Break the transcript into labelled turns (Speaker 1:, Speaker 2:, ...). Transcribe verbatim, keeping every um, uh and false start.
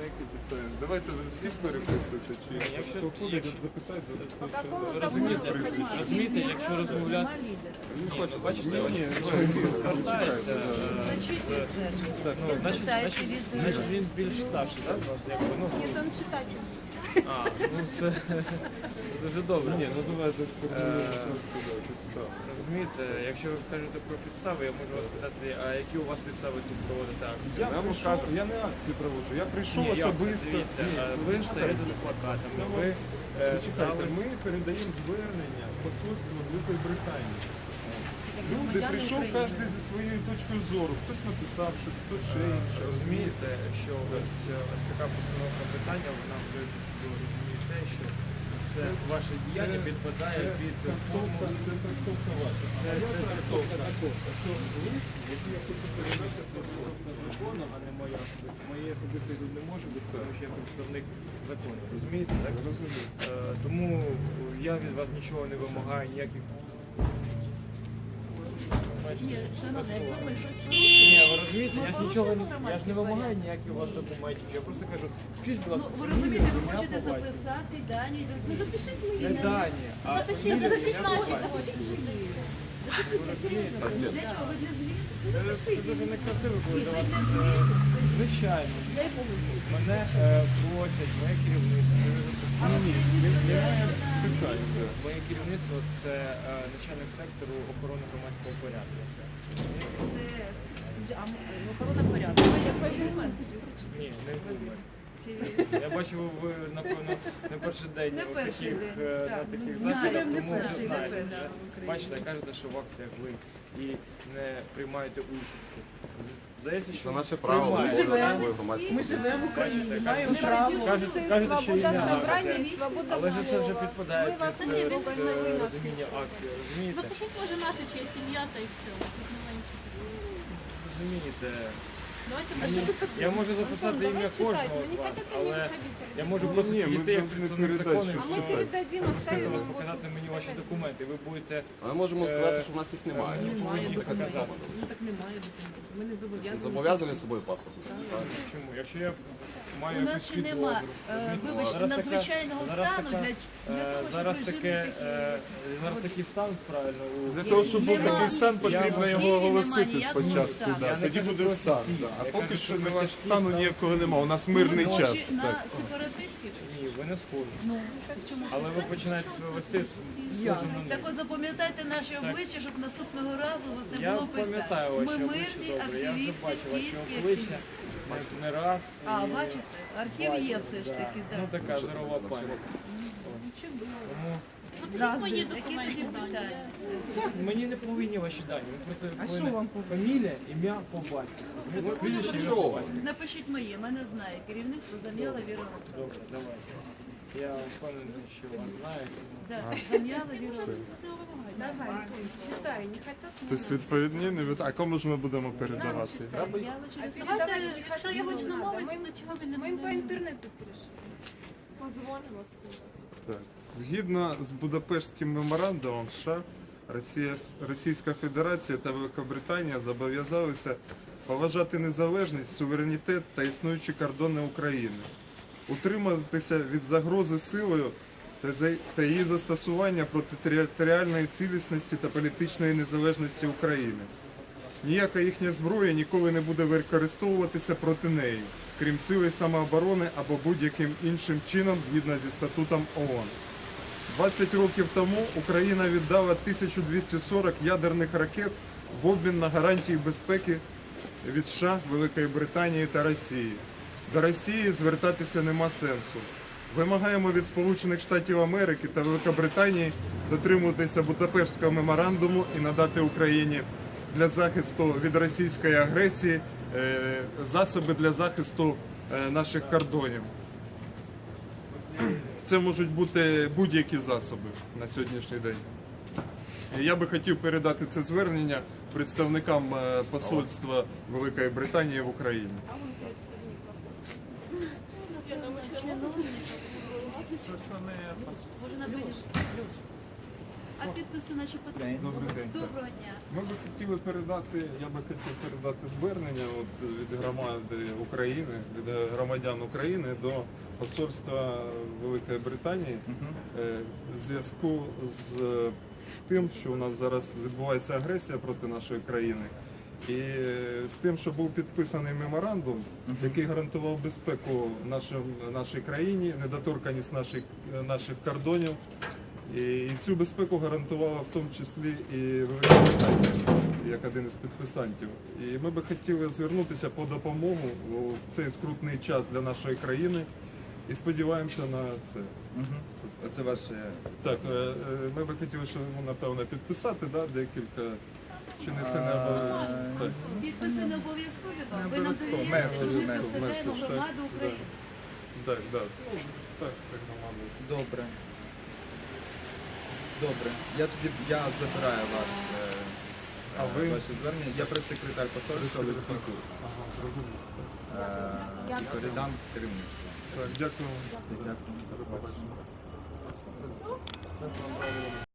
Speaker 1: які підстави? Давайте ви всіх переписуєте, чи
Speaker 2: Якщо-
Speaker 1: хто ходить,
Speaker 2: якщо-
Speaker 1: запитайте,
Speaker 3: По какому
Speaker 2: Розумієте,
Speaker 3: закону вы хотите?
Speaker 2: розумієте, якщо розмовляти,
Speaker 1: не хочете.
Speaker 2: бачите, ось
Speaker 1: Ні,
Speaker 2: звертається, е,
Speaker 4: Зачитує звернення.
Speaker 2: ну, значить,
Speaker 4: Звертається
Speaker 2: значить,
Speaker 4: від
Speaker 2: значить він більш старший, так? Якби, ну,
Speaker 3: Нет, он читатель.
Speaker 2: а, ну це, це дуже добре.
Speaker 1: Ні, ну давайте
Speaker 2: Е,
Speaker 1: сформулюємо підстави.
Speaker 2: Розумієте, якщо ви кажете про підстави, я можу вас питати, а які у вас підстави тут проводити акції?
Speaker 1: Я вам скажу, я не акцію проводжу, я прийшов
Speaker 2: Ні, як це?
Speaker 1: особисто.
Speaker 2: Дивіться,
Speaker 1: Ні,
Speaker 2: е, ви стоїте з плакатами, ви е,
Speaker 1: Чекайте,
Speaker 2: стали...
Speaker 1: ми передаємо звернення посольству Великої Британії. Люди, прийшов кожен зі своєю точкою зору. Хтось написав щось, хтось ще інше.
Speaker 2: Розумієте, що ось, е, ось така постановка питання, вона вже розуміє те, що це ваше діяння підпадає під форму.
Speaker 1: Трактовка, це трактовка ваша.
Speaker 2: Це,
Speaker 1: А я
Speaker 2: це
Speaker 1: трактовка.
Speaker 2: трактовка.
Speaker 1: Це лист, який я хочу передати, це за законом, а не моя особиста. Моєї особистої тут не може бути, тому що я представник закону.
Speaker 2: Розумієте, так?
Speaker 1: Розумію.
Speaker 2: Е, тому я від вас нічого не вимагаю, ніяких...
Speaker 4: Ні, шановний, якщо ми щось
Speaker 2: Ні, ви
Speaker 4: порушуємо,
Speaker 2: розумієте,
Speaker 4: ми
Speaker 2: я ж нічого не,
Speaker 4: порушуємо
Speaker 2: я ж не
Speaker 4: громадський
Speaker 2: вимагаю
Speaker 4: порядок.
Speaker 2: ніяких у вас документів. Я просто кажу, скажіть, будь ласка,
Speaker 4: Ну, ви розумієте, ви
Speaker 2: ім'я,
Speaker 4: хочете
Speaker 2: по батькові.
Speaker 4: записати дані людей. Ну, запишіть
Speaker 2: Не
Speaker 4: мені.
Speaker 2: дані, а
Speaker 4: Запишіть,
Speaker 2: фамілію,
Speaker 4: запишіть
Speaker 2: ім'я, по
Speaker 4: наші.
Speaker 2: батькові.
Speaker 4: Для чого? Ви для звіту? Ну,
Speaker 2: Це, це
Speaker 4: запишіть.
Speaker 2: дуже некрасиво, коли
Speaker 4: Ні,
Speaker 2: до
Speaker 4: ви
Speaker 2: вас
Speaker 4: для
Speaker 2: е,
Speaker 4: звіту.
Speaker 2: звичайно. Мене е, просять, моє керівництво.
Speaker 1: Ні, ні, немає питань. да.
Speaker 2: Моє керівництво це е, начальник сектору охорони громадського порядку.
Speaker 4: Це а, м- охорона порядку.
Speaker 2: Ні, не думаю. Я бачу, ви, напевно, не перший день
Speaker 4: Не
Speaker 2: у
Speaker 4: перший
Speaker 2: таких,
Speaker 4: день,
Speaker 2: е,
Speaker 4: так.
Speaker 2: на таких
Speaker 4: Знаю,
Speaker 2: засідах,
Speaker 4: не
Speaker 2: тому вже
Speaker 4: перший, не
Speaker 2: знаєте.
Speaker 4: перший.
Speaker 2: вже. Бачите, кажете, що в акціях ви і не приймаєте участі. Здається, що
Speaker 5: Це наше право
Speaker 2: приймаєте.
Speaker 5: висловлювати свою громадську
Speaker 4: Ми
Speaker 5: позицію.
Speaker 4: живемо в Україні,
Speaker 2: Бачите,
Speaker 4: маємо
Speaker 2: кажете,
Speaker 4: право.
Speaker 2: кажете, кажете, що і
Speaker 3: Свобода
Speaker 2: не
Speaker 3: собрания
Speaker 2: акція.
Speaker 3: и свобода
Speaker 2: Але ж це вже
Speaker 3: слова.
Speaker 2: підпадає
Speaker 3: Мы вас
Speaker 2: під
Speaker 3: не
Speaker 2: е,
Speaker 3: трогаем
Speaker 2: під,
Speaker 3: на
Speaker 2: е,
Speaker 3: вынос.
Speaker 2: розуміння акції, розумієте?
Speaker 6: Запишіть, може, наша чи сім'я, та й все. Тут немає нічого.
Speaker 2: Розумієте?
Speaker 6: Давайте
Speaker 2: Мені,
Speaker 6: пишемо.
Speaker 2: я можу записати
Speaker 3: Антон,
Speaker 2: ім'я
Speaker 3: давай читать,
Speaker 2: кожного
Speaker 3: но
Speaker 2: з
Speaker 3: не
Speaker 2: вас,
Speaker 3: хотят они
Speaker 2: але
Speaker 3: выходить.
Speaker 2: я можу
Speaker 1: Ну,
Speaker 2: просто
Speaker 1: ні, ми
Speaker 2: підійти як
Speaker 1: повинні
Speaker 2: представник
Speaker 1: передати,
Speaker 2: закону,
Speaker 1: що
Speaker 3: А мы
Speaker 2: що
Speaker 1: читать.
Speaker 3: передадим,
Speaker 2: просити
Speaker 3: оставим
Speaker 2: вас
Speaker 3: его
Speaker 2: показати
Speaker 3: тут.
Speaker 2: мені ваші документи. Ви будете
Speaker 5: Ми можемо сказати, що в нас їх немає.
Speaker 2: мені повинні показати.
Speaker 4: Ну так немає документів. Ми не зобов'язані.
Speaker 5: Зобов'язані з собою паспорт.
Speaker 2: Чому? Якщо я маю
Speaker 4: У нас
Speaker 2: якусь
Speaker 4: ще нема,
Speaker 2: підозру,
Speaker 4: е,
Speaker 2: розумієте?
Speaker 4: вибачте,
Speaker 2: Зараз така-
Speaker 4: надзвичайного
Speaker 2: зараз
Speaker 4: стану
Speaker 2: така,
Speaker 4: для, для
Speaker 2: е,
Speaker 4: того, щоб
Speaker 2: зараз
Speaker 4: режими
Speaker 2: таке,
Speaker 4: такі...
Speaker 2: е, зараз такий стан правильно у
Speaker 1: Для того, щоб був
Speaker 4: Нема.
Speaker 1: такий стан, потрібно
Speaker 4: Я-
Speaker 1: його
Speaker 4: Києві
Speaker 1: оголосити
Speaker 4: нема ніякого
Speaker 1: спочатку.
Speaker 4: стану.
Speaker 1: да,
Speaker 2: Я не
Speaker 1: Тоді
Speaker 2: кажу
Speaker 1: буде
Speaker 2: про
Speaker 1: стан.
Speaker 2: офіційний,
Speaker 1: да. А
Speaker 2: я
Speaker 1: поки
Speaker 2: кажу
Speaker 1: що
Speaker 2: про
Speaker 1: нема
Speaker 2: такий
Speaker 1: стану
Speaker 2: стан.
Speaker 1: ніякого нема. У нас мирний
Speaker 4: Ми
Speaker 1: час.
Speaker 4: схожі на
Speaker 1: Так.
Speaker 4: сепаратистів?
Speaker 2: Ні, ви не схожі.
Speaker 4: Ну, так чому?
Speaker 2: Але ви починаєте себе вести схожим на
Speaker 4: Так
Speaker 2: них.
Speaker 4: от запам'ятайте наші обличчя, щоб наступного разу у вас не
Speaker 2: Я
Speaker 4: було
Speaker 2: пам'ятаю
Speaker 4: питань.
Speaker 2: ваші
Speaker 4: Ми
Speaker 2: обличчя
Speaker 4: мирні
Speaker 2: добре. Я вже
Speaker 4: активісти,
Speaker 2: бачу ваші
Speaker 4: київські
Speaker 2: обличчя
Speaker 4: активісти.
Speaker 2: не раз.
Speaker 4: А,
Speaker 2: і
Speaker 4: бачите, архів є
Speaker 2: бачив,
Speaker 4: все ж
Speaker 2: да.
Speaker 4: таки,
Speaker 2: Ну
Speaker 4: так.
Speaker 2: така здорова пам'ять. Тому
Speaker 6: Запишіть мої
Speaker 4: Які тоді
Speaker 6: документи дані.
Speaker 4: питання?
Speaker 2: мені не повинні ваші дані. Ви просто
Speaker 4: А
Speaker 2: повинні
Speaker 4: що вам
Speaker 2: фамілія, ім'я, по батьку.
Speaker 5: Ну,
Speaker 2: Прізвище, ім'я,
Speaker 5: чого?
Speaker 2: по батьку.
Speaker 4: Напишіть моє, мене знає керівництво Зам'яла Віра Олександрівна.
Speaker 2: Добре, давайте. Я впевнений, що вас знаю. тому-
Speaker 4: Да, Зам'яла Віра Олександрівна.
Speaker 3: Давай, читай, не хотят.
Speaker 1: Тобто відповідні, не від... А кому ж ми будемо передавати?
Speaker 4: Зам'яла через
Speaker 6: Давайте,
Speaker 3: Передавать не
Speaker 6: якщо
Speaker 3: хотим,
Speaker 6: його
Speaker 3: не
Speaker 6: чи
Speaker 3: надо.
Speaker 6: намовить,
Speaker 3: Мы им-
Speaker 6: то чого ви не
Speaker 3: Мы им по
Speaker 6: будете?
Speaker 3: интернету перешли. Позвоним оттуда.
Speaker 1: Так. Згідно з Будапештським меморандумом США, Росія, Російська Федерація та Великобританія зобов'язалися поважати незалежність, суверенітет та існуючі кордони України, утриматися від загрози силою та за- та її застосування проти територіальної цілісності та політичної незалежності України. Ніяка їхня зброя ніколи не буде використовуватися проти неї, крім цілей самооборони або будь-яким іншим чином згідно зі статутом ООН. двадцять років тому Україна віддала тисячу двісті сорок ядерних ракет в обмін на гарантії безпеки від США, Великої Британії та Росії. До Росії звертатися нема сенсу. Вимагаємо від Сполучених Штатів Америки та Великобританії дотримуватися Будапештського меморандуму і надати Україні для захисту від російської агресії е, засоби для захисту е, наших кордонів. Це можуть бути будь-які засоби на сьогоднішній день. І я би хотів передати це звернення представникам е, посольства Великої Британії в Україні.
Speaker 4: Може, напишеш? А підписи наші потрібні?
Speaker 1: Добрий день.
Speaker 4: Доброго дня.
Speaker 1: Ми би хотіли передати, я би хотів передати звернення от, від громади України, від громадян України до посольства Великої Британії е, в зв'язку з тим, що у нас зараз відбувається агресія проти нашої країни. І е, з тим, що був підписаний меморандум, який гарантував безпеку нашим, нашій країні, недоторканність наших, наших кордонів. І, і цю безпеку гарантувала в тому числі і Велика Британія, як один із підписантів. І ми би хотіли звернутися по допомогу в цей скрутний час для нашої країни і сподіваємося на це.
Speaker 7: Оце ваше.
Speaker 1: Так, е, е, ми би хотіли, що ну, напевно, підписати, да, декілька, чи не це не обов'язково. Так.
Speaker 4: Підписи не обов'язкові вам.
Speaker 7: Не
Speaker 4: Ви нам
Speaker 7: обов'язково.
Speaker 4: довіряєте, що ми
Speaker 7: Меседж,
Speaker 4: представляємо
Speaker 1: меседж, так,
Speaker 4: громаду
Speaker 1: да.
Speaker 4: України.
Speaker 1: Так, так. Ну, так, це громада.
Speaker 7: Добре. Добре. Я тоді я забираю ваш, е,
Speaker 1: А ви?
Speaker 7: ваше звернення. Я прес-секретар посольства Литваку.
Speaker 1: Ага, зрозуміло.
Speaker 7: Е, і передам керівництву.
Speaker 1: Так, дякую.
Speaker 7: Дякую.
Speaker 1: До побачення.